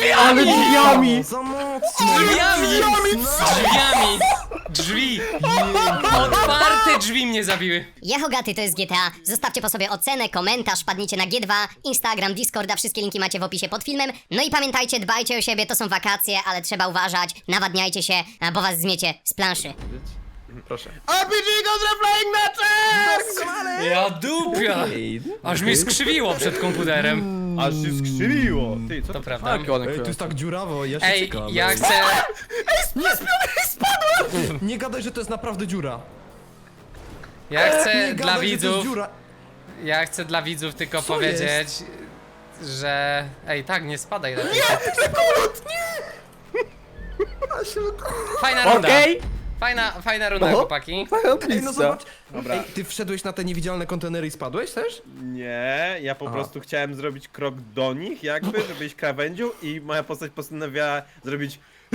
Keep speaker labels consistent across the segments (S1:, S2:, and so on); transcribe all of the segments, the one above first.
S1: Ale drzwiami!
S2: Za mocno!
S3: Drzwi! Otwarte drzwi mnie zabiły.
S4: Jahogaty to jest GTA. Zostawcie po sobie ocenę, komentarz, padnijcie na G2, Instagram, Discorda, wszystkie linki macie w opisie pod filmem. No i pamiętajcie, dbajcie o siebie, to są wakacje, ale trzeba uważać, nawadniajcie się, bo was zmiecie z planszy.
S2: Proszę.
S1: RPG Contra Flying Matches!
S3: Ja dupia! Aż mnie skrzywiło przed komputerem.
S1: Aż się skrzywiło! Ty, co
S3: To
S1: to?
S3: prawda.
S2: Ej, tu jest tak dziurawo, ja się
S3: Ej,
S2: czekam.
S3: ja chcę...
S2: Nie gadaj, że to jest naprawdę dziura.
S3: Ja chcę
S2: Nie
S3: dla
S2: gadaj, że to jest
S3: widzów...
S2: dziura.
S3: Ja chcę dla widzów tylko
S2: Co
S3: powiedzieć, że... Ej, tak, nie spadaj lepiej. Fajna runda.
S1: Okej?
S3: Fajna runda, chłopaki.
S2: Ej, no zobacz.
S1: Dobra.
S2: Ej, ty wszedłeś na te niewidzialne kontenery i spadłeś też?
S1: Nie, ja po prostu chciałem zrobić krok do nich jakby, żeby iść krawędzią i moja postać postanowiła zrobić...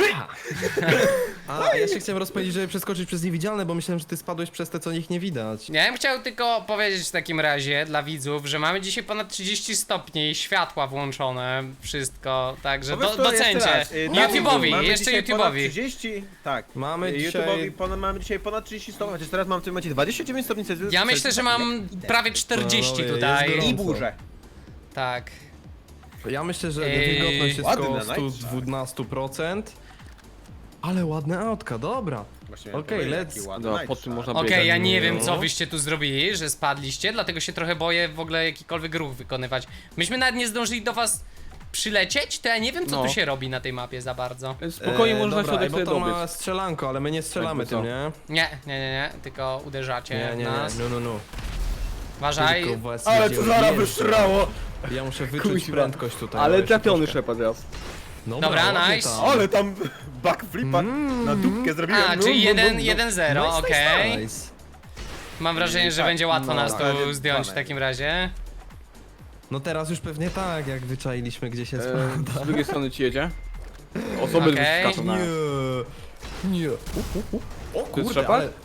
S2: A ja się chciałem rozpędzić, żeby przeskoczyć przez niewidzialne, bo myślałem, że ty spadłeś przez te, co nich nie widać.
S3: Ja bym chciał tylko powiedzieć w takim razie dla widzów, że mamy dzisiaj ponad 30 stopni, światła włączone, wszystko, także
S1: Powiedz to jeszcze
S3: docencie.
S1: raz. Tak,
S3: YouTube'owi,
S1: mamy
S3: jeszcze
S1: dzisiaj ponad
S3: YouTube'owi.
S1: 30, tak.
S2: Mamy
S1: YouTube'owi mamy dzisiaj ponad 30 stopni, chociaż teraz mam w tym momencie 29 stopni Celsjusza.
S3: Ja myślę, że mam prawie 40
S2: No, jest
S3: tutaj.
S2: gorąco.
S1: I burzę.
S3: Tak.
S2: Ja myślę, że
S3: Ej,
S2: wilgotność jest
S1: ładne,
S2: około
S1: nice.
S2: 112%. Ale ładne autka, dobra.
S1: Właśnie
S2: Okej,
S1: miałem
S2: let's-
S1: taki ładny
S5: No,
S1: night
S5: pod tym
S1: shot.
S5: można
S3: Okej,
S5: biegać.
S3: ja nie wiem co
S2: No.
S3: wyście tu zrobili, że spadliście, dlatego się trochę boję w ogóle jakikolwiek ruch wykonywać. Myśmy nawet nie zdążyli do was przylecieć, to ja nie wiem co
S5: No.
S3: tu się robi na tej mapie za bardzo.
S5: Spokojnie można
S2: dobra,
S5: środek
S2: bo
S5: sobie
S2: to ma
S5: dobiec.
S2: strzelanko, ale my nie strzelamy
S5: Jakby
S2: tym,
S5: co.
S2: nie?
S3: Nie, tylko uderzacie
S2: Nie,
S3: w
S2: nie,
S3: nas.
S2: nie, no.
S3: Uważaj.
S2: Tylko was
S1: Ale
S2: jedzie
S1: to zaraz
S2: odjeżdża.
S1: wyszrało!
S2: Ja muszę wyczuć
S5: Kuźwa.
S2: prędkość tutaj.
S5: Ale
S2: jeszcze
S5: trafiony
S2: troszkę.
S5: Shepard raz.
S3: Dobra,
S2: ładnie
S3: nice.
S2: tam.
S1: Ale tam backflipa na dupkę zrobiłem.
S3: A,
S1: No,
S3: czyli
S1: no, no, no.
S3: 1-0,
S2: Nice,
S3: okej.
S2: nice, nice.
S3: Mam wrażenie, że
S1: Tak,
S3: będzie łatwo
S1: no,
S3: nas
S1: tak.
S3: tu zdjąć w takim razie.
S2: No teraz już pewnie tak, jak wyczailiśmy, gdzie się spada.
S5: Z drugiej strony ci jedzie. Osoby
S3: Okej.
S5: wyskaczą na...
S2: Nie. O
S5: jest
S2: kurde,
S5: Shepard?
S2: ale...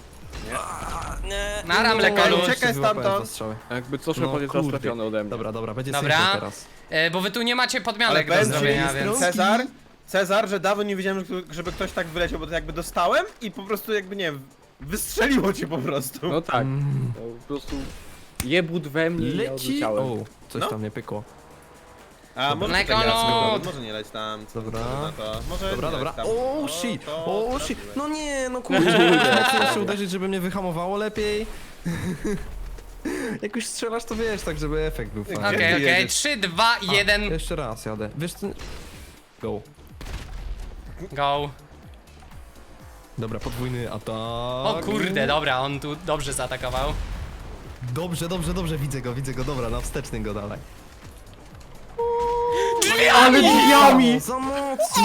S3: Na ramle
S1: Czekaj,
S3: kolu.
S1: czekaj
S2: Wyłapałem
S1: stamtąd.
S2: dwa strzały.
S5: Jakby co Shepard jest raz
S2: kurde.
S5: trafiony ode mnie.
S2: Dobra, będzie
S3: Dobra.
S2: safe teraz.
S3: Bo wy tu nie macie
S1: Ale
S3: podmianek do
S1: będzie
S3: zrobienia, więc...
S1: Cezar, że dawno nie widziałem, żeby ktoś tak wyleciał, bo to jakby dostałem i po prostu jakby, nie wiem, wystrzeliło cię po prostu.
S5: No tak. To po prostu... Jebut we mnie i ja
S2: Leci...
S5: odleciałem.
S2: O, coś
S1: No.
S2: tam nie pykło.
S1: A może
S3: Mleko
S1: czekaj,
S3: lód.
S1: może nie leć tam. co
S2: Dobra.
S1: ty na to? Może
S2: Dobra,
S1: nie
S2: dobra.
S1: leć tam.
S2: O shit,
S1: to
S2: o shit.
S1: trafiłeś.
S2: No nie, no kurde. Muszę uderzyć, żeby mnie wyhamowało lepiej. Jak już strzelasz, to wiesz, tak żeby efekt był fajny.
S1: Gdzie ty
S3: Okej,
S1: jedziesz?
S3: 3, 2, 1,
S2: Jeszcze raz jadę. Wiesz co? Go.
S3: go.
S2: Dobra, podwójny atak.
S3: O kurde, dobra, on tu dobrze zaatakował.
S2: Dobrze, widzę go, dobra, na wsteczny go dalej.
S1: Ale drzwiami!
S2: Za mocno!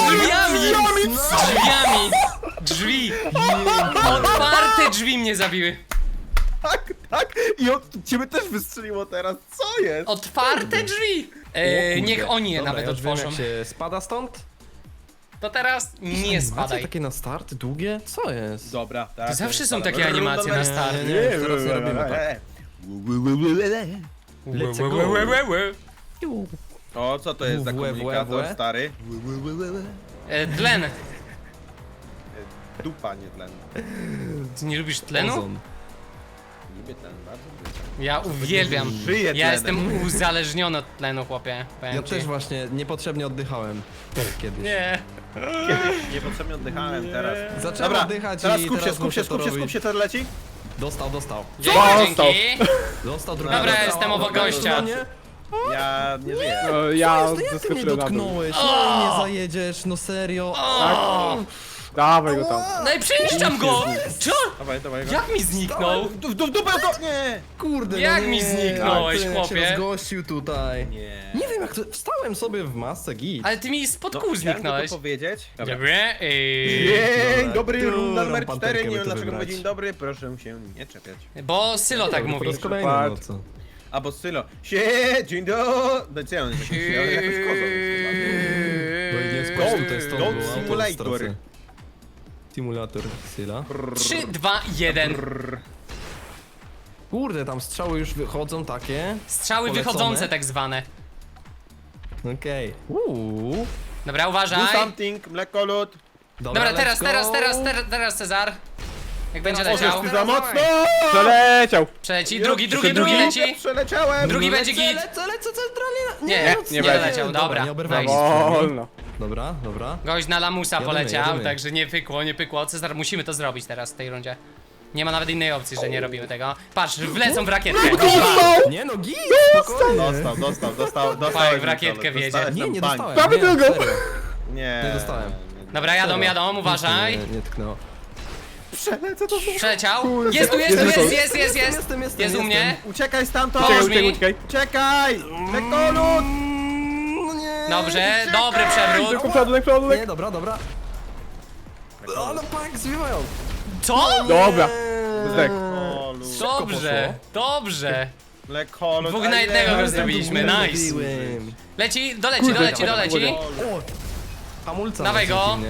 S3: Drzwi! Otwarte drzwi mnie zabiły.
S1: Tak! I ciebie też wystrzeliło teraz, co jest?
S3: Otwarte drzwi! Niech oni je
S2: Dobra,
S3: nawet
S2: ja już wiem,
S3: otworzą.
S2: jak się spada stąd?
S3: To teraz nie
S2: Animacje
S3: spadaj.
S2: takie na start, długie? Co jest?
S1: Dobra, tak.
S3: To zawsze są
S1: spada.
S3: takie animacje na start.
S2: Nie, już teraz nie robimy tak. Let's go.
S1: O, co to jest za komunikator, stary?
S3: Tlen.
S1: Dupa, nie tlen.
S3: Ty nie lubisz tlenu?
S2: Ozon.
S1: Lubię tlen, bardzo lubię.
S3: Ja uwielbiam.
S1: Żyję
S3: Ja
S1: tlenem.
S3: jestem uzależniony od tlenu, chłopie. Powiem
S2: Ja
S3: ci.
S2: też właśnie niepotrzebnie oddychałem kiedyś.
S3: Nie.
S1: Niepotrzebnie oddychałem teraz.
S2: Zacząłem
S1: Dobra,
S2: oddychać
S1: teraz
S2: i
S1: skup się,
S2: teraz
S1: skup się,
S2: muszę
S1: skup
S2: to
S1: się,
S2: robić.
S1: to leci?
S2: Dostał.
S3: Dzięki,
S5: Dostał.
S3: dzięki.
S2: Dostał drugi.
S3: Dobra,
S2: dostał.
S3: jestem obok gościa.
S2: No nie?
S1: Ja nie żyję.
S5: No, ja
S2: Jak ty mnie
S5: zeskoczyłem na dół.
S2: dotknąłeś? No i nie zajedziesz, no serio.
S5: Dawaj go tam.
S3: No i przyniszczam go! Co?
S1: Dawaj go.
S3: Jak mi zniknął?
S1: W dupę go! Nie!
S2: Kurde,
S3: Jak
S2: no
S3: mi
S2: nie.
S3: zniknąłeś,
S2: A ty, jak
S3: chłopie?
S2: się rozgościł tutaj.
S1: Nie.
S2: Nie wiem jak to... Wstałem sobie w masce, git.
S3: Ale ty mi spod kół
S1: Chciałem
S3: zniknąłeś.
S1: tylko powiedzieć.
S3: Dobra.
S1: Dzień dobry,
S2: Którą
S1: runda numer
S2: panterkę
S1: 4, nie
S2: by
S1: wiem
S2: tu
S1: dlaczego
S2: wybrać?
S1: mówię dzień dobry, proszę się nie czepiać.
S3: Bo Sylo tak
S2: Po
S3: mówi.
S2: raz kolejny, no co?
S1: Albo Sylo. Dzień dobry. No co on jest? Jakoś kozą.
S2: Bo nie spać tutaj z tą
S1: Goat
S2: auto
S1: Simulator.
S2: stracę. Simulator Syla.
S3: 3, 2, 1.
S2: Kurde, tam strzały już wychodzą takie.
S3: Strzały
S2: Polecone.
S3: wychodzące tak zwane.
S2: Okej.
S3: Dobra,
S1: Do
S3: uważaj.
S1: something, mlekolud.
S3: Dobra,
S2: let's go.
S3: teraz Cezar. Jak będzie
S2: Teraz
S3: leciał.
S1: Ty za mocno!
S5: Przeleciał!
S3: Przeleci, drugi leci.
S1: Przeleciałem!
S3: Drugi będzie git.
S2: Lecę centralnie.
S3: Nie,
S5: nie
S3: nie
S5: będzie.
S3: leciał, dobra.
S2: nie oberwałem.
S3: Nice.
S5: Wolno.
S2: Dobra.
S3: Gość na lamusa
S2: Jadymy,
S3: poleciał,
S2: jadymy.
S3: także nie pykło. Cezar, musimy to zrobić teraz w tej rundzie. Nie ma nawet innej opcji, że nie robimy tego. Patrz, wlecą w rakietkę.
S2: Nie no, git, spokojnie.
S1: Dostał.
S3: Fajnie, w rakietkę wjedzie.
S2: Nie dostałem.
S5: Prawie
S2: nie,
S5: drugą.
S2: serio.
S1: Nie.
S2: Nie dostałem.
S3: Dobra, jadą, uważaj.
S2: Nie tknęło.
S1: Przelecę to.
S3: Przeleciał. Jest tu.
S2: Jestem,
S3: Jest u mnie.
S1: Uciekaj stamtąd!
S3: Pomóż mi.
S1: Uciekaj! Mlekolud!
S2: No nie.
S3: Dobrze, dobry przewrót.
S5: Tylko przodunek.
S2: Nie, dobra. O, no pak, zwiewają.
S3: Co?
S5: Dobra. Zdech.
S3: Dobrze.
S1: Mlekolud.
S3: Dwóch na jednego go zrobiliśmy, nice.
S2: Zrobiłem.
S3: Doleci.
S5: Kurde.
S2: Hamulca.
S3: Dawaj
S2: macie
S3: go.
S2: dziwnie.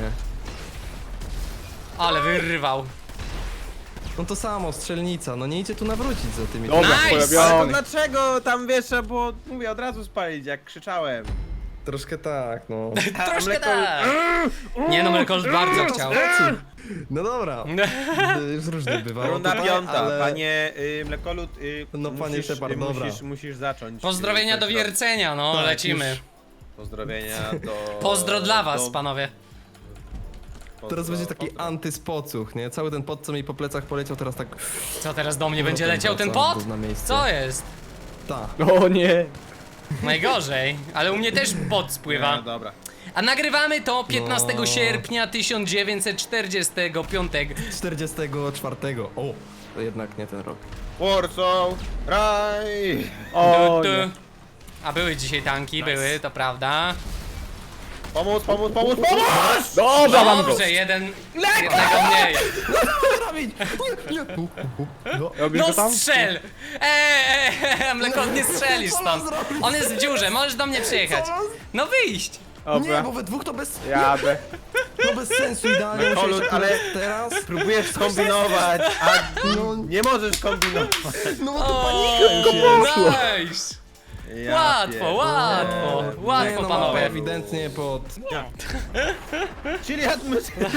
S3: Ale wyrwał.
S2: No to samo, strzelnica, no nie idzie tu nawrócić za tymi.
S5: Dobra,
S3: Nice.
S1: Ale to
S5: porobiony.
S1: dlaczego tam wiesz, bo mówię od razu spalić, jak krzyczałem.
S2: Troszkę tak, no.
S3: Troszkę tak. Nie no, Mlekold bardzo chciał.
S2: No dobra. Już różnie bywało
S1: Runda
S2: tutaj,
S1: piąta,
S2: ale...
S1: panie Mlekolud,
S2: No, panie Shepard, dobra.
S1: musisz zacząć.
S3: Pozdrowienia do wiercenia, no,
S2: Tak,
S3: lecimy.
S2: już.
S1: Pozdrowienia do...
S3: Pozdro dla was,
S1: do-
S3: panowie.
S2: Teraz będzie taki antyspocuch, nie? Cały ten pot, co mi po plecach poleciał, teraz tak...
S3: Co teraz do mnie będzie
S2: Powrotem
S3: leciał ten
S2: wraca
S3: pot?
S2: na miejsce.
S3: Co jest?
S2: Ta.
S5: O nie.
S3: Najgorzej, ale u mnie też pot
S1: No,
S3: spływa.
S1: dobra.
S3: A nagrywamy to 15
S2: No.
S3: sierpnia 1945.
S2: 44. O, to jednak nie ten rok.
S1: Warsaw, raj!
S5: O
S3: Tu, tu.
S5: nie.
S3: A były dzisiaj tanki, były, to prawda.
S1: Pomóc!
S5: Dobra, mam go.
S3: Dobrze, jednego mniej.
S2: robić? Nie.
S5: Robisz
S3: No
S5: go tam?
S3: strzel! Mleko, nie strzelisz stąd. On jest w dziurze, możesz do mnie przyjechać. No wyjść!
S2: Nie,
S5: Dobra.
S2: bo we dwóch to bez...
S5: Jadę.
S2: No bez sensu idealnie
S1: No,
S2: musiałeś
S1: ale-
S2: akurat teraz.
S1: Próbujesz skombinować, a nie możesz kombinować.
S2: No bo to
S3: O,
S2: panika już jest.
S3: nice!
S1: Ja
S3: Łatwo,
S1: pierdolę.
S3: łatwo,
S2: Nie, no,
S3: panowie.
S2: ewidentnie pod...
S1: Czyli atmosfera.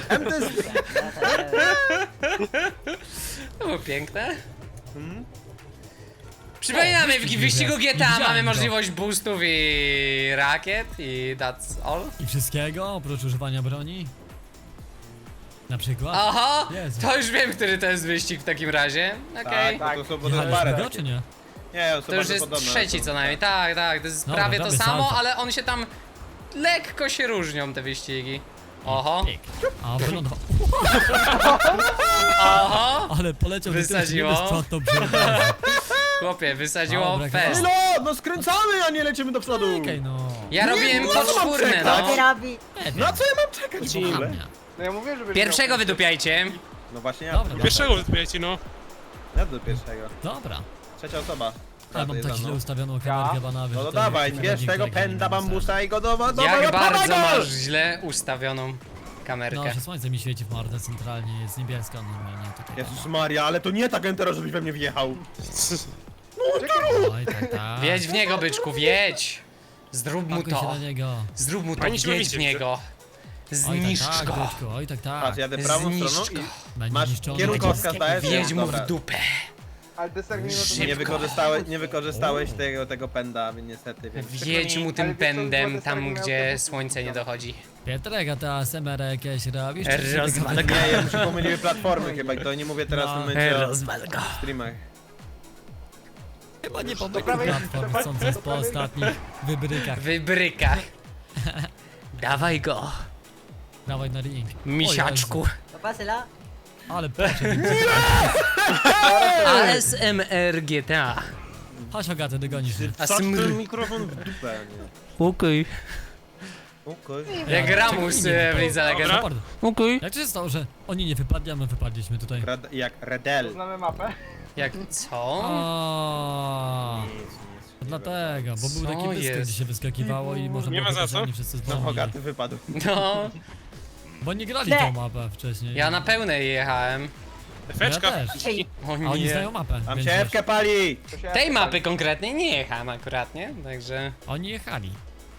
S3: To było piękne. Przypominamy, w wyścigu GTA mamy możliwość boostów i rakiet i that's all.
S6: I wszystkiego, oprócz używania broni? Na przykład?
S3: Oho,
S6: Jezu.
S3: to już wiem, który to jest wyścig w takim razie. Okej.
S1: Tak, to są potem
S6: Jechaliśmy
S1: parę
S6: go,
S1: takie.
S6: czy nie?
S1: Nie, są
S3: To już
S1: bardzo
S3: jest
S1: podobne,
S3: trzeci
S1: są-
S3: co najmniej, tak, to jest
S6: Dobra,
S3: prawie to
S6: robię
S3: samo,
S6: salto.
S3: ale on się tam lekko się różnią te wyścigi. Oho,
S6: Pyk. A wylądował.
S3: oho,
S6: Ale poleciał do tyłu,
S3: Wysadziło.
S6: nie bez prąd, to brzydko.
S3: chłopie, wysadziło
S6: Dobra,
S3: fest.
S1: No skręcamy, a nie lecimy do przodu!
S6: Czekaj no.
S3: Ja robiłem
S1: no, co mam
S3: poczwórne,
S1: czekać?
S3: no.
S6: Nie wiem.
S1: Na co ja mam czekać w ogóle?
S6: Dziwnie.
S3: Pierwszego wydupiajcie.
S1: No właśnie ja.
S6: Dobra,
S7: Pierwszego wybiecie, no.
S1: Ja do pierwszego.
S6: dobra.
S1: Trzecia osoba.
S6: Ale mam
S1: jest
S6: tak
S1: za
S6: źle
S1: mną.
S6: ustawioną kamerkę banawy.
S1: No
S6: że
S1: to
S6: to
S1: dawaj,
S6: nie
S1: bierz
S6: nikt
S1: tego
S6: tego nie
S1: pęda
S6: ma
S1: bambusa i go do
S3: Jak bardzo
S1: dawaj go!
S3: masz źle ustawioną
S6: No,
S3: kamerkę.
S6: że słońce mi świeci w mordę centralnie, jest niebieska normalnie tutaj.
S1: Jezus Maria, ale to nie tak Entero, żebyś we mnie wjechał.
S6: Oj, tak.
S3: Wiedź w niego, byczku, wiedź! Zrób mu
S6: Pakuj się
S3: to.
S6: na niego.
S3: Zrób mu to,
S7: Oni się
S3: wiedź w
S7: widzicie.
S3: niego.
S6: Oj,
S3: Zniszcz
S6: tak, tak,
S3: go.
S6: byczku, oj, tak, tak.
S1: Patrz, jadę prawą
S3: Zniszcz
S1: stroną
S3: go.
S1: i
S6: Będzie
S1: masz
S6: niszczony.
S1: kierunkowskaz, dajesz?
S3: Wiedź mu
S1: Dobra.
S3: w dupę.
S1: Nie wykorzystałeś tego pęda, więc niestety. Więc
S3: Wiedź mu tym pędem tam, gdzie słońce nie dochodzi.
S6: Pietrek, a ty ASMR jakieś robisz? czy się
S3: Rozwal
S6: tylko-
S3: go.
S1: Nie, ja mi się pomyliły platformy chyba i to nie mówię teraz w
S6: No.
S1: momencie o
S3: Rozwal go.
S1: streamach.
S6: Chyba nie pomylił platform, sądząc po ostatnich wybrykach.
S3: Wybryka. Dawaj go,
S6: Dawaj na ring.
S3: misiaczku.
S6: O Jezu, ale poszedł.
S3: ASMR GTA.
S6: Chodź Hogaty, dogonisz mnie.
S1: Wsadź ten mikrofon w dupę, nie?
S3: Okej.
S1: Okej.
S3: Jak Ramus w Lidze Legend.
S6: Shepard,
S3: Okej.
S6: jak to się stało, że oni nie wypadli, a my wypadliśmy tutaj?
S1: Jak Redel.
S3: Jak co?
S6: O,
S1: Nic.
S6: dlatego, bo był
S3: Co
S6: taki pysk,
S3: jest?
S6: gdzie się wyskakiwało i można
S7: Nie
S6: było
S7: ma za
S6: wybrać, że
S7: co.
S6: oni wszyscy
S1: No
S6: zdążyli.
S1: Hogaty wypadł.
S3: No,
S6: Bo nie grali tą mapę wcześniej.
S3: ja na pełnej jechałem.
S7: Efeczka.
S6: też.
S3: O
S6: A oni
S3: nie.
S6: znają mapę.
S1: Tam
S6: więc
S1: się
S6: wiesz,
S1: Ewkę pali!
S3: Tej mapy konkretnej nie jechałem akurat, nie? Także...
S6: Oni jechali.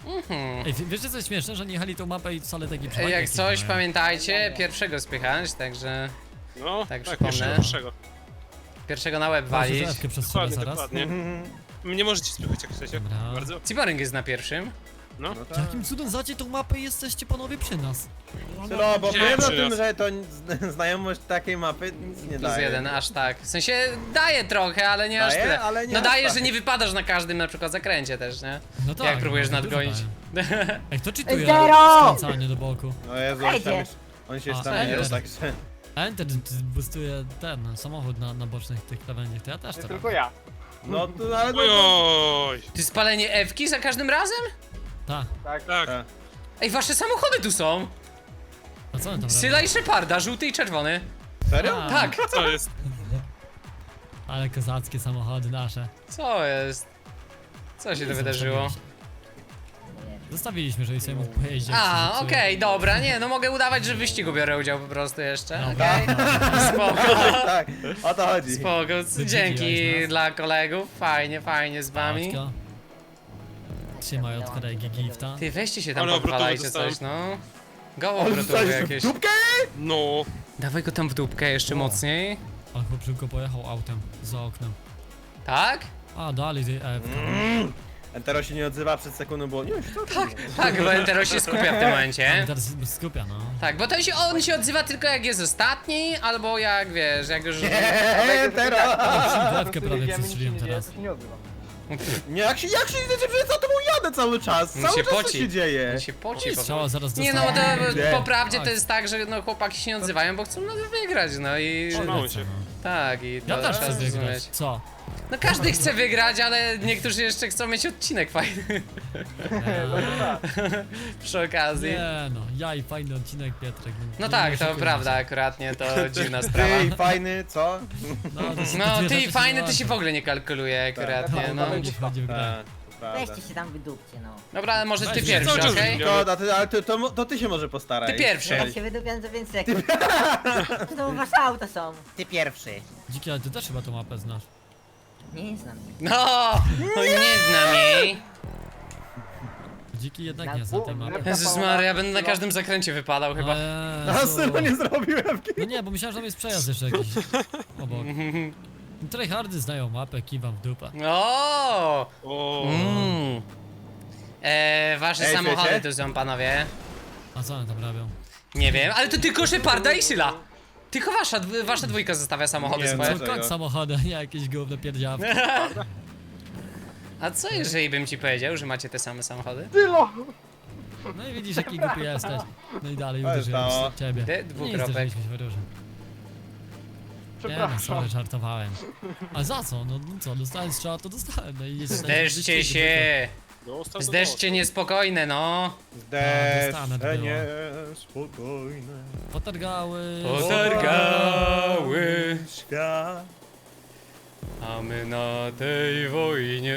S6: Ej, wiecie co jest śmieszne, że nie jechali tą mapę i wcale taki przewagi
S3: Jak
S6: jakieś
S3: coś,
S6: mają.
S3: pamiętajcie, pierwszego spychać, także
S7: No,
S3: Tak,
S7: tak,
S3: przypomnę.
S7: pierwszego.
S3: pierwszego na łeb
S6: Właśnie,
S3: walić.
S6: że Ewkę przestrzelę
S7: Dokładnie,
S6: zaraz.
S7: dokładnie. Nie możecie spychać jak chcecie.
S6: Dobra.
S7: Bardzo.
S3: Ciborynk jest na pierwszym.
S7: No.
S1: No tak.
S6: Jakim cudem znacie tą mapę i jesteście panowie przy nas?
S1: No, bo
S7: Wziąłem
S1: wiem o
S7: przy
S1: tym,
S7: nas.
S1: że to znajomość takiej mapy nic nie
S3: Plus
S1: daje.
S3: jeden, aż tak. W sensie daje trochę, ale nie aż
S1: Daje,
S3: tyle.
S1: ale nie
S3: No
S1: aż
S3: daje,
S1: tak.
S3: że nie wypadasz na każdym na przykład zakręcie też, nie?
S6: No tak.
S3: Jak próbujesz
S6: no, dużo
S3: nadgonić.
S6: dają. Ej, kto czytuje
S8: Zero!
S6: skręcanie do boku?
S1: No Jezu, on się
S8: Ejdzie.
S1: on się
S6: A,
S1: tam
S6: enter.
S1: nie także...
S6: Enter boostuje ten samochód na bocznych tych krawędziach, to ja też to robię.
S8: ja.
S1: No to ale
S7: Ojoj.
S3: Ty spalenie Ewki za każdym razem?
S6: Tak,
S7: Tak.
S3: Ej, wasze samochody tu są!
S6: a co on tam
S3: Syla
S6: robi?
S3: i Sheparda, żółty i czerwony.
S1: Serio?
S6: A,
S3: Tak,
S7: Co jest?
S6: Ale kozackie samochody nasze.
S3: co jest? Co się to wydarzyło?
S6: Zostawiliśmy, żeby sobie mógł pojeździć. jak
S3: A,
S6: się zepsuje.
S3: okej, dobra, nie, no mogę udawać, że w wyścigu biorę udział po prostu jeszcze,
S6: No,
S3: okej? Spoko,
S1: Tak, o to chodzi.
S3: spoko, dzięki
S6: Wydziwiłeś nas.
S3: dla kolegów, fajnie z wami.
S6: Paczka. Trzymaj od kolegi gifta.
S3: Ty, weźcie się tam
S7: Ale obrotowe
S3: podwalajcie
S7: dostałem.
S3: coś, no. Go
S1: On
S3: obrotowe
S1: zostaje
S3: jakieś.
S1: w dupkę?
S7: No.
S3: Dawaj go tam w dupkę jeszcze mocniej.
S6: A chłop szybko pojechał autem za oknem.
S3: Tak?
S6: A, dalej ty Ewka.
S1: Entero się nie odzywa przed sekundą, bo nie
S3: Tak, bo Entero się skupia w tym momencie.
S6: Teraz skupia, no.
S3: Tak, bo on się odzywa tylko jak jest ostatni, albo jak wiesz, jak już...
S1: Entero!
S6: Ewkę prawie przestrzeliłem teraz.
S1: Nie, jak się idziecie, przecież za tobą jadę cały czas.
S3: On
S1: Cały
S3: się
S1: czas
S3: poci.
S1: co się dzieje.
S3: On się poci po
S6: Strzała zaraz
S3: Nie no,
S6: dostanie.
S3: to
S1: Nie.
S3: po prawdzie to
S6: Tak.
S3: jest tak, że no chłopaki się nie odzywają, bo chcą no wygrać, no i...
S7: Trzymało się.
S3: Tak, i to
S6: Ja też
S3: trzeba
S6: chcę wygrać.
S3: zrozumieć.
S6: Co?
S3: No każdy chce wygrać, ale niektórzy jeszcze chcą mieć odcinek fajny. Przy okazji.
S6: Nie no, ja i fajny odcinek Pietrek.
S3: No
S6: nie
S3: tak, to
S6: oszukujmy
S3: prawda,
S6: się.
S3: akurat nie, to dziwna sprawa.
S1: Ty, fajny, co?
S6: No, to są
S3: No
S6: dwie
S3: ty
S6: rzeczy
S3: fajny,
S6: się
S3: to się w
S6: łączą.
S3: ogóle nie kalkuluje akurat,
S1: Tak.
S3: nie, no.
S6: Wchodzi w grę.
S1: Tak, to prawda.
S8: Weźcie się tam wydupcie, no.
S3: Dobra, ale może ty
S6: Weź,
S3: pierwszy,
S7: cały czas
S3: okej?
S7: wymieniam.
S1: Szkoda, ale to ty się może postaraj.
S3: Ty pierwszy.
S8: Ja się wydupiam za 5 sekund. To wasze auta są. Ty pierwszy.
S6: Dziki, ale ty też chyba tą mapę znasz.
S8: Nie znam.
S3: No, nie znam jej.
S6: Dziki jednak nie zna tej mapy.
S3: Jezus Maria, ja będę na każdym zakręcie wypadał chyba.
S1: A
S6: Jezu.
S1: synu nie zrobiłem.
S6: No nie, bo myślałem, że tam jest przejazd jeszcze jakiś obok. Tryhardy znają mapę, kiwam w dupę.
S3: O!
S7: O.
S3: Wasze
S1: Ej,
S3: samochody
S1: słuchajcie?
S3: tu są, panowie.
S6: A co one tam robią?
S3: Nie wiem, ale to tylko Sheparda i Syla. Tylko wasza dwójka zostawia samochody
S1: Nie,
S3: swoje.
S1: no
S6: Co
S1: Dlaczego?
S6: kok samochody, nie jakieś gówne pierdziawki.
S3: A co jeżeli bym ci powiedział, że macie te same samochody?
S6: No i widzisz jaki głupi jesteś. No i dalej
S1: Ale
S6: uderzyłem
S1: to-
S6: w ciebie.
S3: Ty,
S6: Nie
S3: dwukropek.
S6: zderzyliśmy się w róże. Nie no, sorry, żartowałem. A za co? No co, dostałem strzał, to dostałem. No i jest
S3: Zderzcie się!
S7: Dostał to
S3: Zderzcie niespokojne, no!
S6: dostanę
S1: Zdeszcze
S6: było.
S1: nie spokojne.
S6: Potargały.
S3: Potargały,
S1: Świat.
S3: a my na tej wojnie.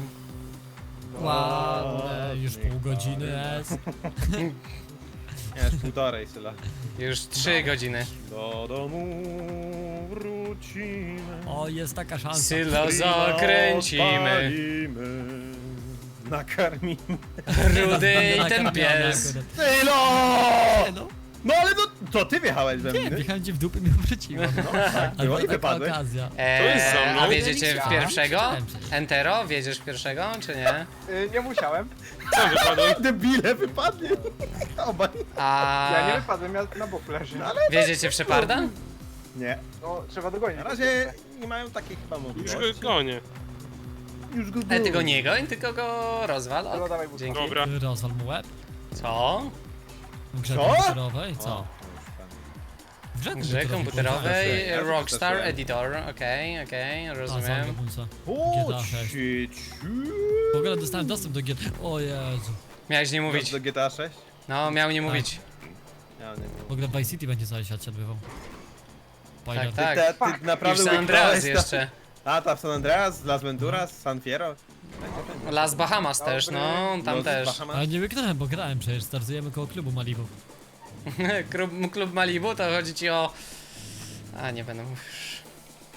S6: Ładne, już pół godziny jest.
S1: Nie, już półtorej, Syla.
S3: Już 3 godziny.
S1: Do domu wrócimy.
S6: O, jest taka szansa.
S3: Sylo zakręcimy.
S1: Odpalimy, nakarmimy.
S3: Rudy i ten
S6: Nakarmiony
S3: pies.
S6: akurat.
S1: Sylo!
S6: Nie no,
S1: No ale to ty wjechałeś we
S6: nie,
S1: mnie.
S6: wjechałem ci w dupę i mnie obróciłem.
S1: No tak,
S6: Ale
S1: było i
S6: taka
S1: wypadłeś.
S6: okazja.
S7: To jest za mną.
S3: A wiedziecie w
S6: Ja
S3: pierwszego?
S6: widziałem przecież.
S3: Entero, wiedziesz w pierwszego, czy nie?
S9: Nie musiałem.
S7: Co wypadłem?
S1: Debile, wypadnie. Obaj.
S3: A
S9: Ja nie wypadłem, ja na boku leżę.
S3: wiedziecie w Sheparda?
S1: Nie.
S9: No, trzeba dogonić.
S1: Na razie nie mają takiej chyba
S7: Już
S1: możliwości.
S7: go gonię.
S1: Już go
S3: Ale ty go nie goń, tylko go rozwal.
S9: No,
S3: Ok,
S9: dawaj buta.
S3: dzięki.
S7: Dobra.
S6: Rozwal mu łeb.
S3: Co?
S6: W grze
S1: Co?
S6: komputerowej, co? W grze
S3: Grze komputerowej
S1: Ja
S3: Rockstar
S1: zastosuję.
S3: Editor, okej,
S6: A,
S3: rozumiem.
S6: Punca.
S1: O,
S6: GTA 6.
S1: cieciu.
S6: W ogóle dostałem dostęp do GTA. O Jezu.
S3: Miałeś nie mówić.
S1: Do GTA 6?
S3: No, miał nie mówić.
S1: Ja nie
S6: W ogóle w Vice City będzie cały świat się odbywał.
S3: Tak,
S6: Pilot.
S3: tak.
S1: Ty naprawdę
S3: Już San Andreas
S1: łyknąłeś
S3: jeszcze.
S1: A, ta w San Andreas, Las Venturas, San Fierro.
S3: Las Bahamas też, no, tam
S1: Los
S3: też.
S1: Bahamas.
S6: Ale nie wyknąłem, bo grałem przecież. Startujemy koło klubu Malibu.
S3: Klub Malibu to chodzi ci o... A, nie będę mówił.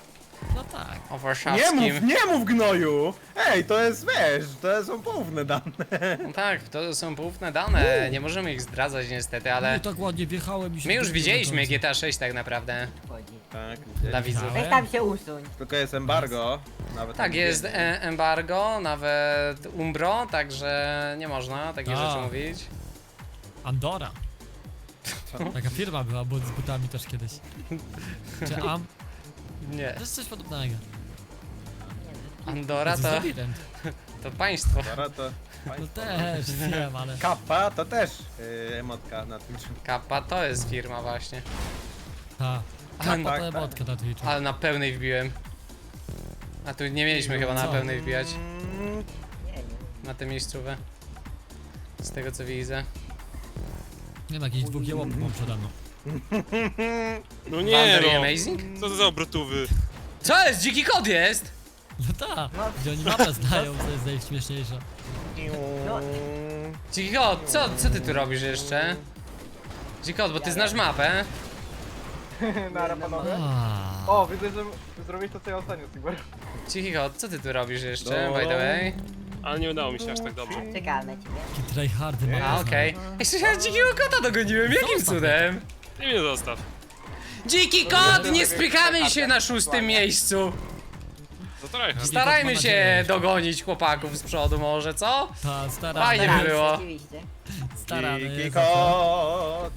S6: No tak.
S3: O
S1: Nie
S3: warszawskim.
S1: mów, nie mów gnoju! Ej, to jest, wiesz, to są poufne dane.
S3: No tak, to są poufne dane, nie możemy ich zdradzać niestety, ale...
S6: No tak ładnie wjechałem i się
S3: My już
S6: dobiłem
S3: widzieliśmy
S6: do końca.
S3: GTA 6 tak naprawdę,
S8: Chodzi.
S1: Tak,
S3: dla widzów.
S8: Weź tam się usuń.
S1: tylko jest embargo. Nawet
S3: Tak,
S1: tam
S3: jest
S1: nie-
S3: embargo, nawet umbro, także nie można takich
S6: A.
S3: rzeczy mówić.
S6: Andora. Taka firma była, bo z butami też kiedyś. Czy Am?
S3: Nie.
S6: To jest coś podobnego.
S3: Andora
S6: To
S3: to,
S6: jest ewident.
S3: to państwo.
S1: Dobra, to...
S6: No też, wiem, ale...
S1: Kappa to też emotka na Twitchu.
S3: Kappa to jest firma właśnie.
S6: Ta.
S3: A,
S6: Kappa
S1: tak,
S6: to
S1: tak.
S6: emotka na Twitchu.
S3: Ale na pełnej wbiłem. A tu nie mieliśmy chyba na
S6: Co?
S3: pełnej wbijać,
S1: Mm,
S8: Nie wiem.
S3: na tę miejscówę. Z tego co widzę.
S6: Nie no, jakichś dwóch jełopów mam przede mną.
S7: No nie
S3: Wonder
S7: no.
S3: Amazing?
S7: Co to za obrotówy?
S3: Co jest? Dziki kot jest?
S6: No tak, gdzie oni mapę znają, co jest najśmieszniejsze.
S8: No.
S3: Dziki kot, co ty tu robisz jeszcze? Dziki kot, bo ty znasz mapę.
S9: Nara panowie.
S6: A.
S9: O, widzę, że zrobiłeś to co ja ostatnio, Sigmar.
S3: Dziki kot, co ty tu robisz jeszcze,
S1: No.
S3: by the way?
S7: Ale nie udało mi się aż tak dobrze.
S8: Czekam na ciebie.
S6: Taki tryhardy mapę
S3: A, okej. Jeszcze ja dzikiego kota dogoniłem, jakim
S6: Zostaw
S3: cudem?
S7: Ty mnie zostaw.
S3: Dziki kot, nie spychamy się na 6. miejscu.
S7: Za tryhard.
S3: Starajmy
S6: Mam
S3: się
S6: nadzieję.
S3: dogonić chłopaków z przodu może, co?
S6: Ta, staramy,
S3: Fajnie
S8: Tak,
S3: było.
S8: Oczywiście.
S6: staramy.
S1: Dziki
S6: jest zawsze.
S1: kot.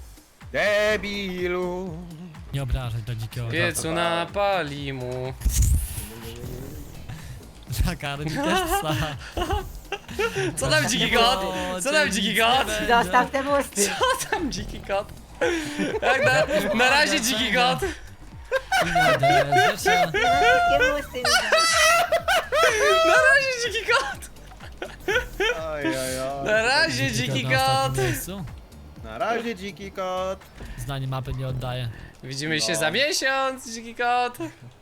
S1: Debilu.
S6: Nie obrażać do dzikiego.
S3: Piecu napali mu.
S6: Nakarmi też psa.
S3: Co tam dziki kot? Co tam dziki kot?
S8: Zostaw te musty.
S3: Co tam dziki kot? Tak, na razie dziki kot.
S6: Zresztą,
S8: Wszystkie musty.
S3: Na razie dziki kot.
S1: Oj, oj, oj.
S3: Na razie dziki
S6: na
S3: kot.
S6: ostatnim miejscu.
S1: Na razie dziki kot.
S6: Zdanie mapy nie oddaje.
S3: Widzimy się
S1: No.
S3: za miesiąc, dziki kot.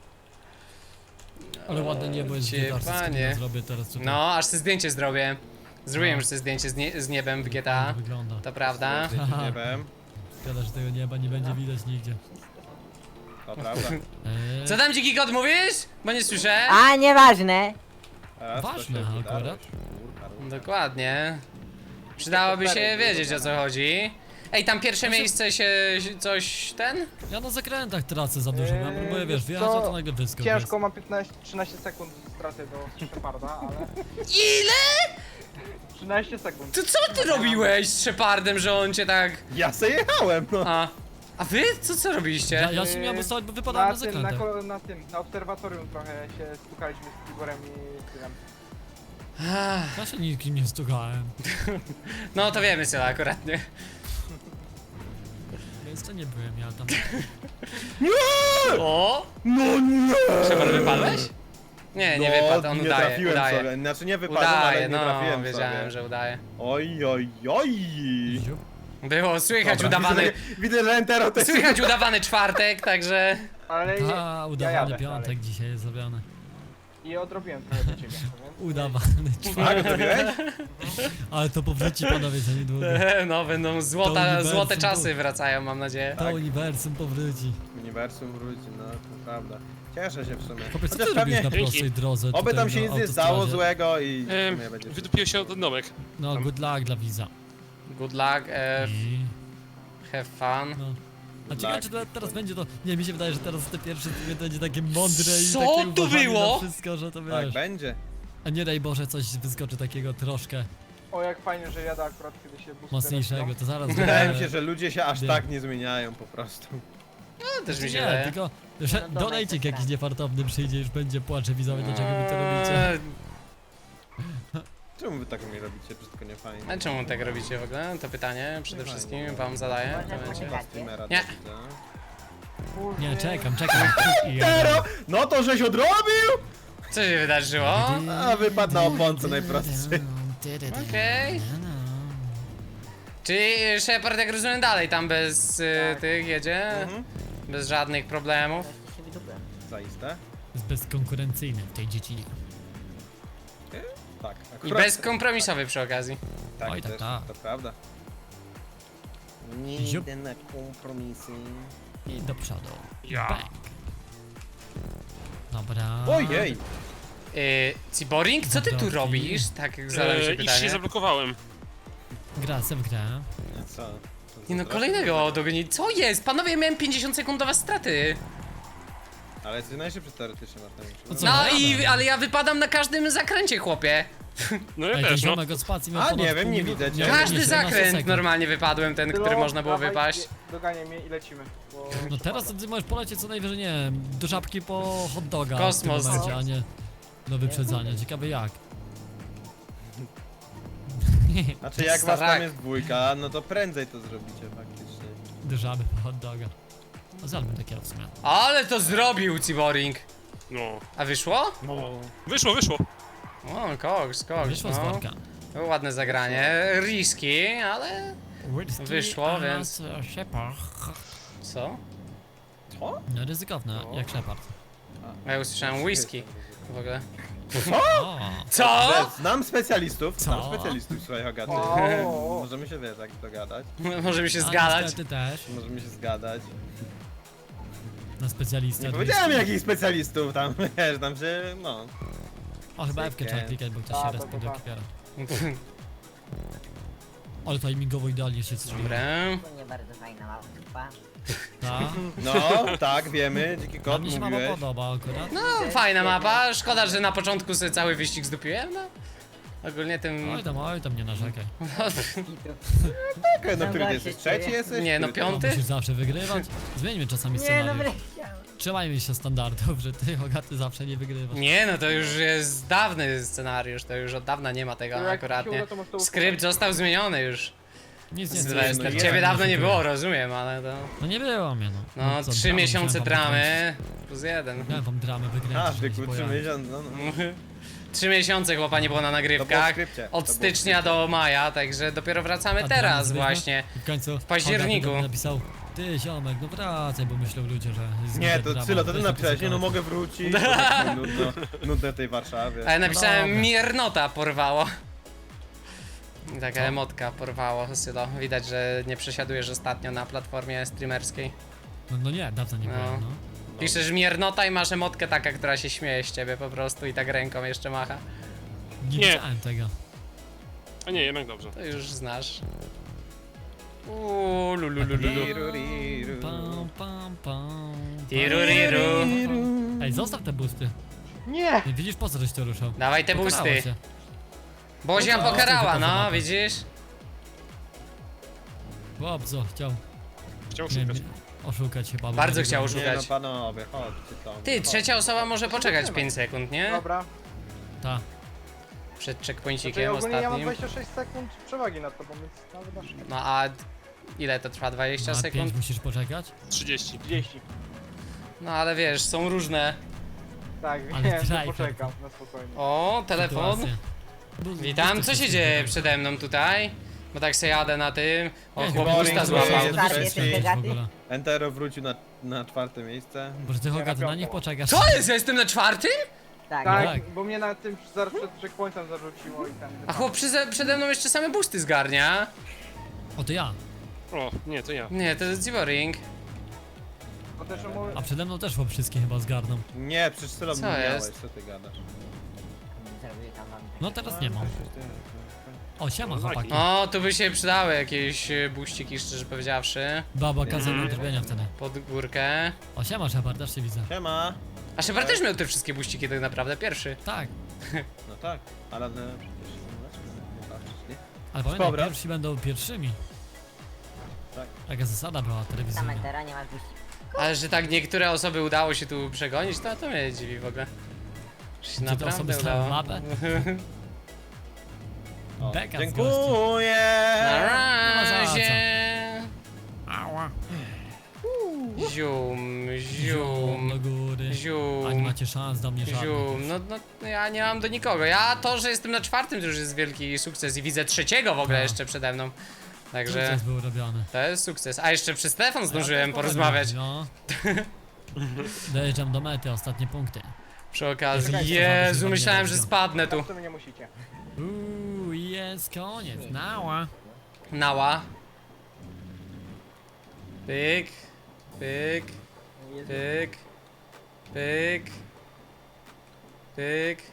S6: Ale ładne niebo jest
S3: Cię,
S6: w GTA,
S3: panie.
S6: zrobię teraz tutaj.
S3: No, aż sobie zdjęcie zrobię. Zrobiłem
S6: No.
S3: już sobie zdjęcie z niebem w GTA.
S6: Tak wygląda.
S3: To prawda.
S6: Haha.
S1: Nie wiem.
S6: Szkoda, że tego nieba nie będzie widać nigdzie.
S1: To prawda.
S3: Co tam dziki kot mówisz? Bo nie słyszę.
S8: A, nieważne.
S1: Teraz to
S6: Ważne,
S1: się
S6: akurat.
S1: wydarzyło.
S3: Dokładnie. Przydałoby się wiedzieć o co chodzi. Ej, tam pierwsze miejsce się coś ten?
S6: Ja na zakrętach tracę za dużo, ja próbuję, wiesz, wjechać,
S9: to
S6: a to nagle wyskok
S9: Ciężko, mam 13 sekund straty do Sheparda, ale...
S3: Ile?
S9: 13 sekund.
S3: To co ty robiłeś z Shepardem, że on cię tak...
S1: Ja se jechałem, no.
S3: A wy? Co robiliście?
S6: Ja się miałem ustawić, bo wypadałem na zakrętach.
S9: Na obserwatorium trochę się stukaliśmy z Igorem i Tynem.
S6: Ja się nikim nie stukałem.
S3: No to wiemy co akurat, nie?
S6: Więc to nie byłem ja tam.
S3: O!
S1: No nie!
S3: Shepard wypadłeś? Nie, nie wypadł, on
S1: nie
S3: udaje,
S1: trafiłem
S3: udaje.
S1: sobie. Znaczy nie wypadłem,
S3: Udaje,
S1: ale nie
S3: no,
S1: trafiłem
S3: wiedziałem,
S1: sobie.
S3: że udaje.
S1: Oj, oj, oj.
S6: Ziup.
S3: Było słychać
S1: Dobra,
S3: udawany...
S1: Widzę, że Entero też...
S3: Słychać udawany czwartek, także...
S9: Ale
S6: A, udawany
S9: jadę
S6: piątek
S9: dalej.
S6: dzisiaj jest zrobiony.
S9: I odrobiłem trochę do ciebie, więc...
S6: Udawany
S1: Tak,
S6: czwartek.
S1: zrobiłeś?
S6: Ale to powróci panowie za niedługo.
S3: No, będą
S6: To
S3: złote
S6: uniwersum
S3: czasy
S6: było.
S3: wracają, mam nadzieję.
S6: To uniwersum powróci.
S1: Uniwersum wróci, no to prawda. Cieszę się w sumie.
S6: Chłopiec, co
S1: Chociaż
S6: ty robisz na
S7: Dzięki.
S6: prostej drodze
S1: Oby
S6: tutaj
S1: tam się
S6: na
S1: nic nie stało
S6: autostradzie?
S1: złego i w sumie będzie...
S7: Wydupił się ten domek.
S6: No, good luck dla widza.
S3: Good luck,
S6: I...
S3: have fun.
S6: No. A ciekawe, czy teraz będzie to... Nie, mi się wydaje, że teraz te pierwsze to będzie takie mądre i
S3: Co
S6: takie
S3: tu
S6: uważanie
S3: było?
S6: na wszystko, że to
S1: Tak
S6: wiesz.
S1: będzie.
S6: A nie daj Boże, coś wyskoczy takiego troszkę
S9: O, jak fajnie, że jadę akurat, kiedy się bus
S6: mocniejszego, to zaraz
S1: Wydaje mi
S6: będzie-
S1: się, że ludzie się aż
S6: Wiem.
S1: tak nie zmieniają po prostu.
S3: No, też mi się
S6: Nie,
S3: wydaje.
S6: tylko że
S8: No dobra,
S6: donajcik
S8: to
S6: jakiś
S8: tak.
S6: niefartowny przyjdzie, już będzie płacze widzowie, dlaczego mi to robicie.
S1: Czemu wy tak mi robicie? Wszystko nie fajnie.
S3: A czemu tak robicie w ogóle? To pytanie przede wszystkim wam zadaję.
S8: Można
S3: to będzie.
S8: poczekać.
S1: Streamera
S3: Nie.
S1: to widzę.
S6: Nie, czekam. I
S1: Entero! No to żeś odrobił!
S3: Co się wydarzyło?
S1: A wypadł na oponce najprostszy.
S3: Okej. Czyli Shepard, jak rozumiem, dalej tam bez tych jedzie?
S1: Mhm.
S3: Bez żadnych problemów.
S8: Wreszcie się wydupłem.
S1: Zaiste?
S6: Jest bezkonkurencyjny w tej dziedzinie.
S1: Tak.
S3: I
S1: akurat-
S3: bezkompromisowy przy okazji.
S1: Tak,
S6: Oj, tak,
S1: też,
S6: tak.
S1: to prawda. Nie
S6: Ziup.
S1: idę na kompromisy.
S6: I do przodu.
S7: Ja.
S6: Bang. Dobra.
S1: Ojej!
S3: Ciboring, co ty tu
S6: Dobra.
S3: robisz? Tak, zadałem się
S7: I się
S3: pytanie.
S7: zablokowałem.
S6: Gra se w grę.
S1: Co?
S3: Nie no, kolejnego dogoni. Co jest? Panowie, miałem 50-sekundowe straty.
S1: Ale jesteś najszybszy teoretycznie, Martin.
S6: No co?
S3: No
S6: Dobra.
S3: ale ja wypadam na każdym zakręcie, chłopie.
S7: No ja
S6: Ej, ten
S7: też, no.
S6: ziomek od spacji miał
S1: A,
S6: ponad
S1: nie wiem,
S6: pół
S1: nie
S6: minuty.
S1: widzę cię.
S6: Miał
S3: Każdy
S6: 17
S3: zakręt
S6: sekund.
S3: normalnie wypadłem, ten, który
S9: Tylo,
S3: można było
S9: dawaj,
S3: wypaść.
S9: Dogania mnie i lecimy. Bo
S6: No teraz to ty możesz polecieć co najwyżej, nie wiem, do żabki po hot doga.
S3: Kosmos.
S6: W tym momencie, a nie do wyprzedzania. Ciekawe jak.
S1: Znaczy jak was
S3: Starak.
S1: tam jest dwójka, no to prędzej to zrobicie faktycznie.
S6: Do żaby po hot doga. No zalmy takiego w sumie.
S3: Ale to zrobił Ciboring.
S7: No.
S3: A wyszło?
S7: Wyszło, wyszło.
S3: O, koks,
S6: Wyszło z
S3: no.
S6: worka.
S3: Było ładne zagranie, risky, ale...
S6: Whisky,
S3: Wyszło,
S6: a
S3: więc-
S6: Shepard.
S3: Co?
S6: No ryzykowne, jak Shepard.
S3: A ja usłyszałem whisky w ogóle.
S6: O,
S3: Co?
S1: Znam specjalistów,
S6: Co?
S1: znam specjalistów, słuchaj Hogaty.
S9: O.
S1: Możemy się, wiesz, tak dogadać.
S3: Możemy się
S6: a
S3: zgadać.
S6: Ty też,
S1: Możemy się zgadać.
S6: na specjalistę.
S1: Nie
S6: od
S1: powiedziałem
S6: whisky.
S1: jakich specjalistów tam, wiesz, tam się, no.
S6: O, chyba F-kę trzeba klikać, bo ktoś się
S9: A,
S6: respi do
S9: tak.
S6: kipiera. Ale timingowo idealnie się strzeli.
S3: Dobra.
S8: To nie bardzo fajna małpa.
S6: Tak?
S1: No, tak, wiemy, dziki
S6: A
S1: kot
S6: mnie się mama
S1: mówiłeś.
S6: podoba akurat.
S3: No, fajna mapa. Szkoda, że na początku sobie cały wyścig zdupiłem, no. Ogólnie tym...
S6: Oj tam nie narzekaj.
S1: Tak, no który ty jesteś? Trzeci jesteś?
S3: Nie, no
S1: Który ty?
S3: piąty.
S6: Musisz zawsze wygrywać. Zmieńmy czasami
S8: Nie no,
S6: scenariusz.
S8: wleciałem.
S6: Trzymajmy się standardów, że ty, Hogaty, zawsze nie wygrywasz.
S3: Nie, no to już jest dawny scenariusz, to już od dawna nie ma tego
S9: Jak ci
S3: akurat,
S9: się
S3: nie.
S9: uda, to możesz to
S3: Skrypt został zmieniony już.
S6: Nic nie
S3: Sylwester,
S1: jest,
S3: ciebie
S1: nie
S3: dawno nie
S6: szukuję.
S3: było, rozumiem, ale to...
S6: No nie było mnie, no.
S3: No,
S6: co,
S3: 3
S6: dramę
S3: miesiące
S6: musiałem wam
S3: dramy plus 1.
S6: Miałem wam dramę wygrać.
S1: A, wieku 3 miesiące, no, no.
S3: 3 miesiące chłopa nie było na
S1: To było w
S3: nagrywkach.
S1: skrypcie, to
S3: Od
S1: było w
S3: stycznia do maja, także dopiero wracamy teraz właśnie.
S6: W końcu w
S3: październiku.
S6: napisał, ty ziomek, no wracaj, bo myślał ludzie, że jest
S1: Nie,
S6: zbyt
S1: to
S6: drama,
S1: Cylo, to ty
S6: weź
S1: napisałeś,
S6: tylko
S1: nie no
S6: sobie
S1: mogę wrócić, bo tak mi nudno w tej Warszawie.
S3: A ja napisałem
S6: dobra.
S3: miernota porwało. Taka emotka porwało, Sylo. Widać, że nie przesiadujesz ostatnio na platformie streamerskiej.
S6: No nie, dawno nie
S3: No.
S6: byłem, no.
S3: Piszesz miernota i masz emotkę taka, która się śmieje z ciebie po prostu i tak ręką jeszcze macha.
S6: Nie
S7: Nie.
S6: widziałem tego.
S7: A nie, jednak dobrze.
S3: To już znasz. Lululululu.
S1: Tiruriru.
S6: Pam, pam, pam.
S3: Tiruriru.
S6: Ej, zostaw te busty.
S9: Nie!
S6: Nie widzisz, po co żeś to ruszał?
S3: Dawaj te
S6: Pokarało
S3: busty.
S6: cię.
S3: Bozia
S6: No to,
S3: pokarała,
S6: tylko
S3: no
S6: zobaczę.
S3: widzisz?
S6: Chłopco, chciał
S7: Chciał
S6: nie,
S7: szukać.
S6: oszukać chyba. bo
S3: Bardzo
S6: nie
S3: chciał
S6: wygrał.
S1: Nie no
S3: szukać.
S1: panowie, chodźcie tam.
S3: Ty, trzecia osoba może poczekać 5 sekund, nie?
S9: Dobra.
S6: Ta.
S3: Przed
S9: Znaczy,
S3: checkpointikiem
S9: ogólnie ja mam
S3: ostatnim.
S9: 26 sekund przewagi nad tobą, więc nawet masz
S3: No a ile to trwa? 20
S6: Na 5
S3: sekund?
S6: musisz poczekać?
S7: 30.
S9: 30.
S3: No ale wiesz, są różne.
S9: Tak,
S6: Ale
S9: wiem, że
S6: driver.
S9: poczekam na spokojnie.
S3: O, telefon.
S6: Sytuacje.
S3: Witam, co się dzieje przede mną tutaj? Bo tak se jadę na tym. O,
S6: Nie,
S3: chłop
S1: Boring
S3: usta
S1: jest
S3: złapał.
S1: jest
S8: Tak,
S1: trzeci.
S8: jesteś
S6: w ogóle.
S1: Entero wrócił na 4 miejsce.
S6: Boże, ty Hogaty, na nich poczekasz.
S3: Co jest? Ja jestem na 4?
S8: Tak.
S9: Tak,
S6: tak.
S9: bo mnie na tym zaraz przed checkpointem zarzuciło i ten.
S3: A chłop przede mną jeszcze same busty zgarnia.
S6: O, to ja.
S7: O, nie, to ja.
S3: Nie, to jest Ciboring.
S9: Bo też mówię,
S6: A przede mną też chłop wszystkie chyba zgarną.
S1: Nie, przecież Cylo
S3: Co
S1: miałeś,
S3: jest?
S1: co ty gadasz?
S8: Zrobię tam wam
S6: No teraz nie mam. O, siema chłopaki.
S3: O, tu by się przydały jakieś buściki, szczerze powiedziawszy.
S6: Baba kazał mi drbienia wtedy.
S3: Pod górkę.
S6: O, siema Shepard, też się widzę.
S1: Siema.
S3: A Shepard też miał te wszystkie buściki tak naprawdę, pierwszy.
S6: Tak,
S1: No tak, ale no, przecież nie patrzysz, nie?
S6: ale pamiętaj,
S1: Dobra.
S6: pierwsi będą pierwszymi.
S1: Tak.
S6: Taka zasada była telewizyjna.
S8: Samentera, nie masz guści.
S3: Ale że tak niektóre osoby udało się tu przegonić, to mnie dziwi w ogóle. Że się
S6: Czy te osoby
S3: naprawdę
S6: stały
S3: udało.
S6: mapę?
S1: O,
S6: Beka z
S1: dziękuję!
S3: Na
S6: ma za co.
S3: razie.
S6: Ała.
S3: Zium,
S6: Zium do
S3: zium,
S6: góry. A nie
S3: zium,
S6: macie szans do mnie żadnych.
S3: zium. No ja nie mam do nikogo. Ja to, że jestem na 4 to już jest wielki sukces i widzę 3 w ogóle
S6: Tak.
S3: jeszcze przede mną. Także
S6: Sukces był robiony.
S3: to jest sukces. A jeszcze przez telefon zdążyłem porozmawiać.
S6: No. Dojeżdżam do mety, ostatnie punkty.
S3: Przy okazji.
S6: Czekajcie,
S3: Jezu,
S6: zobaczę,
S3: myślałem, że
S6: zobaczę.
S3: spadnę tu.
S9: w sumie nie musicie.
S6: Jest koniec. Nała.
S3: Nała. Pyk. Pyk. Pyk. Pyk. Tyk.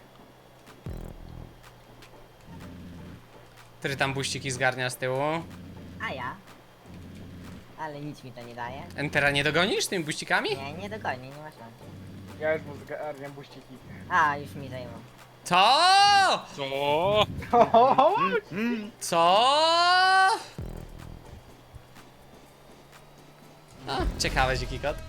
S3: Który tam buściki zgarnia z tyłu?
S8: A ja? Ale nic mi to nie daje.
S3: Entera nie dogonisz tymi buścikami?
S8: Nie, nie dogonię, nie ma szans.
S9: Ja już mu zgarniam buściki.
S8: A, już mi zajmą.
S3: Co?
S7: Co?
S3: Co? O, ciekawe, dziki kot.